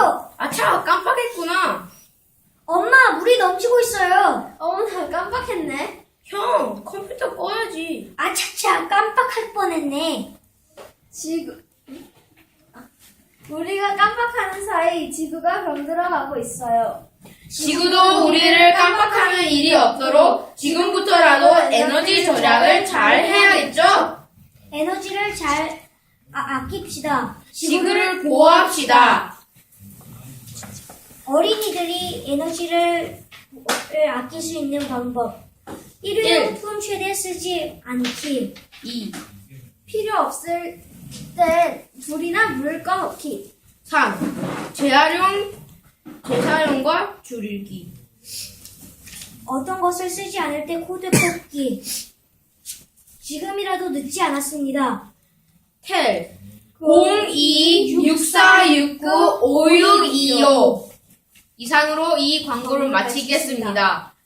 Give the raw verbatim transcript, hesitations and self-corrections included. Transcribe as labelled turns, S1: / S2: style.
S1: 멈춰!
S2: 아차, 깜빡했구나.
S1: 엄마, 물이 넘치고 있어요.
S3: 어머, 나 깜빡했네.
S2: 형, 컴퓨터 꺼야지.
S1: 아차차, 깜빡할 뻔했네.
S3: 지구. 우리가 깜빡하는 사이 지구가 병들어가고 있어요.
S2: 지구도 우리를 깜빡하는 일이 없도록 지금부터라도 에너지 절약을 잘 해야겠죠?
S1: 에너지를 잘 아, 아낍시다.
S2: 지구를 보호합시다.
S1: 어린이들이 에너지를 아낄 수 있는 방법. 일회용품 최대 쓰지 않기.
S2: 이.
S3: 필요 없을 땐 불이나 물을 꺼놓기.
S2: 삼. 재활용, 재사용과 줄이기.
S1: 어떤 것을 쓰지 않을 때 코드 뽑기. 지금이라도 늦지 않았습니다.
S2: 텔 공이 육사육구 오육이오 이상으로 이 광고를 마치겠습니다.